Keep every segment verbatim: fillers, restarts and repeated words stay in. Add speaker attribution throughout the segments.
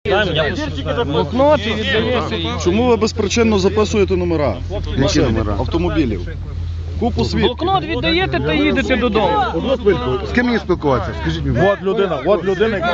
Speaker 1: Блокнот і віддає.
Speaker 2: Чому ви безпричинно записуєте номера?
Speaker 3: Які номера?
Speaker 2: Автомобілів. Купу свідків.
Speaker 1: Блокнот віддаєте та їдете додому.
Speaker 3: Одну спілку. З ким мені спілкуватися? Скажіть мені.
Speaker 2: От людина, от людина, яка...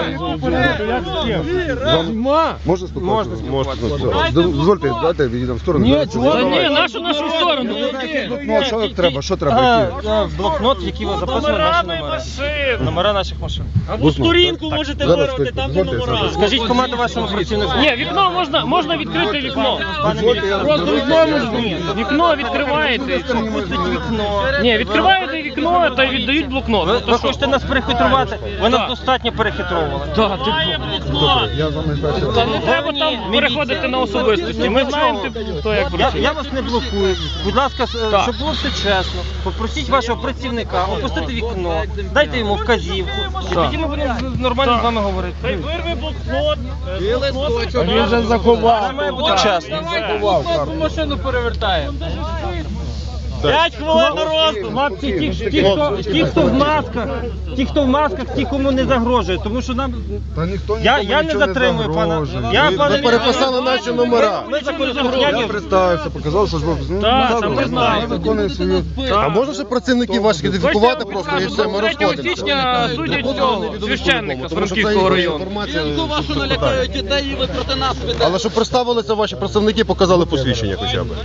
Speaker 3: Можна спілкуватися? Можна. Дозвольте, дайте відійдемо в сторону. Ні,
Speaker 1: Та ні, нашу нашу сторону.
Speaker 3: Ну, що треба? Що треба?
Speaker 1: Блокнот, в який ви записували наші номери. Номера наших машин.
Speaker 4: Або сторінку можете вирвати, там де номера.
Speaker 1: Скажіть команду вашому працівнику. Ні, вікно можна, можна відкрити вікно. Просто вікно можна. Вікно відкриваєте. Ні, відкриваєте вікно та віддають блокнот. Ви, ви хочете нас перехитрувати? Ви нас достатньо перехитровували. Так, ти
Speaker 3: Я з вами бачив.
Speaker 1: Та не треба там переходити на особистості. Ми знаємо, хто як працює. Я вас не блокую. Будь ласка, щоб було все чесно. Попросіть вашого працівника опустити вікно, дайте йому вказівку. І тоді ми будемо нормально з вами говорити.
Speaker 4: Хай вирви блокнот.
Speaker 2: Він вже заховав.
Speaker 1: Це має бути чесно.
Speaker 4: Машину перевертає. П'ять хвилин на роздум.
Speaker 1: Хлопці, ті, ті, хто, ті, хто в масках, ті, хто в масках, ті, кому не загрожує, тому що нам...
Speaker 3: Та ніхто
Speaker 1: Я,
Speaker 3: нікому
Speaker 1: я не
Speaker 3: нічого
Speaker 1: затримую пана.
Speaker 3: загрожує.
Speaker 1: Я,
Speaker 3: Ви-
Speaker 1: пане,
Speaker 3: Ви переписали наші номера.
Speaker 1: Ми законослухняні.
Speaker 3: Я представився, показав, що ж ви... Ну,
Speaker 1: Так,
Speaker 3: добре,
Speaker 1: ми знаємо.
Speaker 3: ми виконуємо свою...
Speaker 5: А можна ще працівників ваших ідентифікувати просто і все, ми
Speaker 1: третього
Speaker 5: розходимося?
Speaker 1: січня судять цього священника з Франківського району.
Speaker 4: Вашу налякають дітей і ви проти нас ведете.
Speaker 5: Але щоб представилися ваші представники, показали посвідчення хоча б.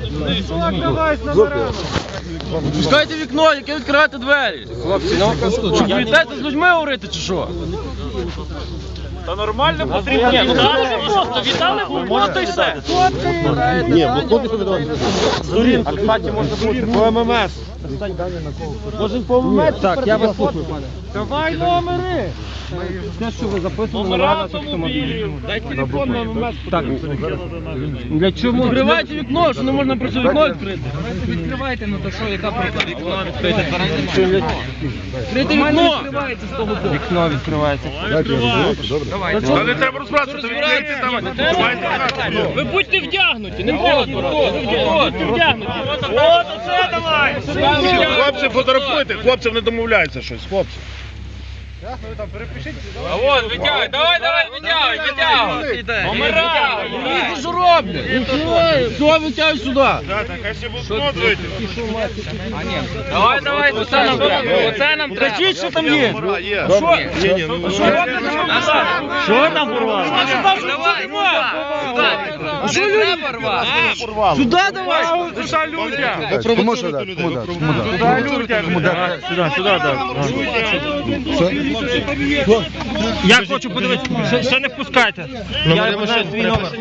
Speaker 1: Пускайте вікно, яке відкривати двері. Хлопці, ну, що, боїтеся з людьми говорити чи що?
Speaker 4: Та нормально потрібно.
Speaker 1: Ні, ну так просто, віддали блокнот і все.
Speaker 5: Ні, блокнот не повідомляє.
Speaker 1: А, кстати, можна бути по ем ем ес. Можемо по ем ем ес? Так, я вас слухаю, пане. Давай номери! Те, що ви записували номера наших автомобілів.
Speaker 4: Дай телефон на ем ем ес.
Speaker 1: Так. Для чого? Відкривайте вікно, що не можна просто вікно відкрити.
Speaker 4: Відкривайте, ну то що, яка проблема? Вікно відкрити.
Speaker 1: Відкрити вікно! Вікно відкривається.
Speaker 2: Та не треба розбиратися, відкрийте там.
Speaker 1: Ви будьте вдягнуті, не треба збиратися. Будьте вдягнуті.
Speaker 4: От оце давай!
Speaker 2: Хлопці, фотографуйте, хлопців не домовляється щось, хлопці.
Speaker 4: А вон, витягуй, давай, давай, витягуй, витягуй. Номера!
Speaker 1: Вони що роблять? Все, витягуй сюди.
Speaker 2: Хай ще блокнот вийде.
Speaker 4: Давай, давай, оце нам треба.
Speaker 1: Оце нам кричіть, що там є.
Speaker 2: Є.
Speaker 1: Що?
Speaker 2: Ні, ні, ну,
Speaker 1: Що Що там порвало?
Speaker 4: Давай, сюди.
Speaker 1: Що люди? Сюди давай.
Speaker 2: Душа людям.
Speaker 3: Кому що дати? Кому дати? Кому дати? Кому дати?
Speaker 1: Сюди, сюди, Я хочу подивитися, ще, ще не впускайте. Я знаю свій номер.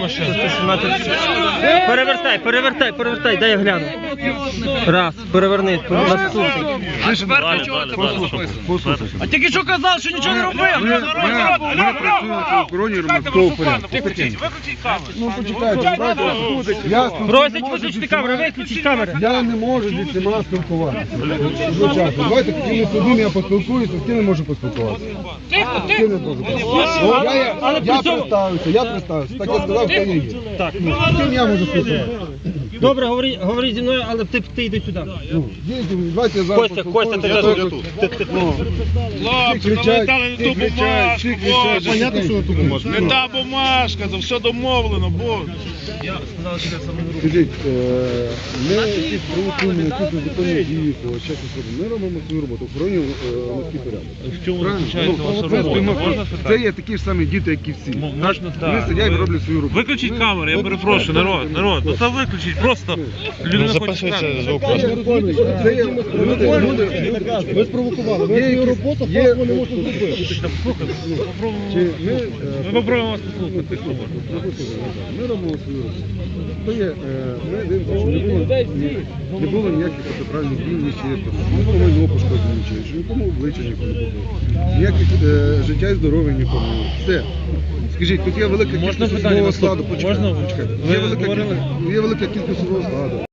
Speaker 1: Перевертай, перевертай, перевертай, дай я гляну. Раз, переверни, наступний.
Speaker 4: А тепер до чого це було записано? А тільки що казав, що нічого не робив.
Speaker 3: Ми працюємо в охороні громадського порядку.
Speaker 4: Виключіть камеру.
Speaker 3: Ну, почекайте, давайте, ясно.
Speaker 1: Просять виключити камеру, виключіть камеру.
Speaker 3: Я не можу зі всіма спілкуватися. Звичайно. Давайте тоді з одним я поспілкуюся, з ким не можу поспілкуватися.
Speaker 4: Тихо,
Speaker 3: З ким не можу поспілкуватися. Я, я,
Speaker 1: Але
Speaker 3: я
Speaker 1: при цьому-
Speaker 3: представився, я представився. Так я сказав, хто я є.
Speaker 1: Так.
Speaker 3: Ну, з ким я можу спілкуватися?
Speaker 1: Добре, говори, говори зі мною, але ти, ти йди сюди.
Speaker 3: Ну, їдьте, давайте я зараз
Speaker 1: Костя, Костя, ти
Speaker 3: поспілкуюся.
Speaker 1: вже тут.
Speaker 2: Хлопці,
Speaker 3: Всі
Speaker 2: ну ви
Speaker 3: кричать,
Speaker 2: дали не
Speaker 3: всі
Speaker 2: ту
Speaker 3: кричать,
Speaker 2: бумажку,
Speaker 3: всі кричать.
Speaker 2: боже.
Speaker 3: Понятно, що ви ту бумажку?
Speaker 2: Не та бумажка, це все домовлено, боже.
Speaker 3: Скажіть, е, ми якісь провокуємо, якісь незаконні дії, по чесно скажу, ми робимо свою роботу, охоронюємо громадський порядок.
Speaker 2: В чому
Speaker 3: Правильно? Ну, це сприймемо. Це є такі ж самі діти, як і всі. Вони сидять і роблять свою роботу.
Speaker 6: Виключіть камеру, я перепрошую, народ, народ, ну це виключіть, просто людина хоче камеру.
Speaker 3: Це є люди, люди, ви спровокували, ви свою роботу, є, вони можуть зробити. Чи ми, е,
Speaker 6: Ми попробуємо вас послухати.
Speaker 3: Ми робимо свою роботу. То є, е, ми дивимося, що не було, ні- не було ніяких протиправних дій, ні чи нікому майно пошкоджено, чи що нікому обличчя нікому не було. Ніяких е, життя і здоров'я нікому не було. Все. Скажіть, тут є велика кількість
Speaker 6: Можна
Speaker 3: особового
Speaker 6: питання?
Speaker 3: складу, почекайте.
Speaker 6: Можна?
Speaker 3: Є
Speaker 6: Ви
Speaker 3: велика
Speaker 6: говорили?
Speaker 3: кількість- Є велика кількість особового складу.